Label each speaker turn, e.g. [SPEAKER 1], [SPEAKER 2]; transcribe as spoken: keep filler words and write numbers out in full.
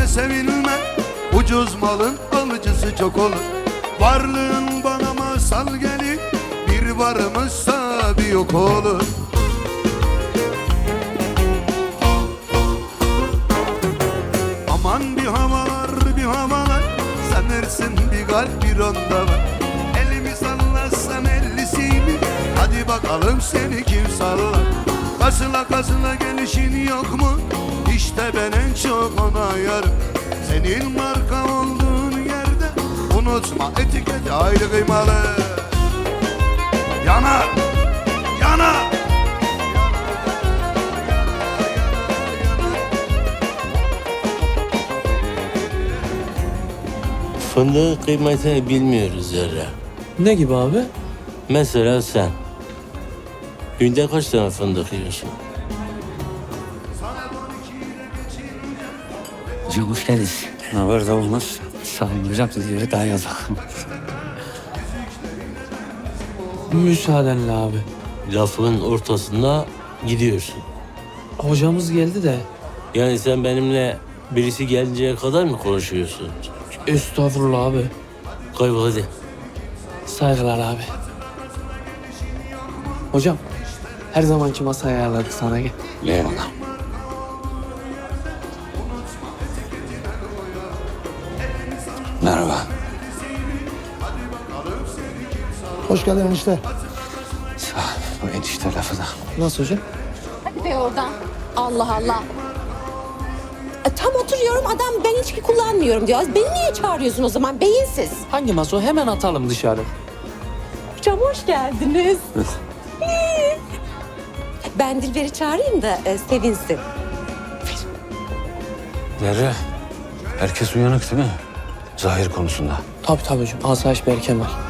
[SPEAKER 1] de sevilme, ucuz malın alıcısı çok olur. Varlığın bana masal gelir, bir varımızsa bir yok olur. Aman bir havalar bir havalar, sanırsın bir kalp bir onda var. Elimi sallasam ellisini, hadi bakalım seni kim sallar. Kasıla kasıla gelişin yok mu? İşte ben en çok ona yarım. Senin marka olduğun yerde unutma, etiketi ayrı kıymalı. Yanar, yanar.
[SPEAKER 2] Fındığın kıymetini bilmiyoruz Zerre.
[SPEAKER 3] Ne gibi abi?
[SPEAKER 2] Mesela sen. Günde kaç tane fındık yiyorsun?
[SPEAKER 4] Hocam hoş geldiniz. Ne haber da olmaz. Sağ olun hocam, siz yere daha yazık.
[SPEAKER 3] Müsaadenle abi.
[SPEAKER 2] Lafın ortasında gidiyorsun.
[SPEAKER 3] Hocamız geldi de.
[SPEAKER 2] Yani sen benimle birisi gelinceye kadar mı konuşuyorsun?
[SPEAKER 3] Estağfurullah abi.
[SPEAKER 2] Kaybol hadi.
[SPEAKER 3] Saygılar abi. Hocam, her zamanki masayı ayarladık sana, gel.
[SPEAKER 4] Eyvallah. Merhaba.
[SPEAKER 5] Hoş geldin enişte.
[SPEAKER 4] Sağ ol. Bu enişte lafı da.
[SPEAKER 3] Nasıl hocam?
[SPEAKER 6] Hadi be oradan. Allah Allah. E, tam oturuyorum, adam ben içki kullanmıyorum diyor. Beni niye çağırıyorsun o zaman, beyinsiz?
[SPEAKER 3] Hangi masa o? Hemen atalım dışarı.
[SPEAKER 6] Hocam hoş geldiniz. Ben Dilber'i çağırayım da e, sevinsin.
[SPEAKER 4] Zerre, herkes uyanık değil mi? Zahir konusunda.
[SPEAKER 3] Tabii tabii hocam. Asayiş Berkemal.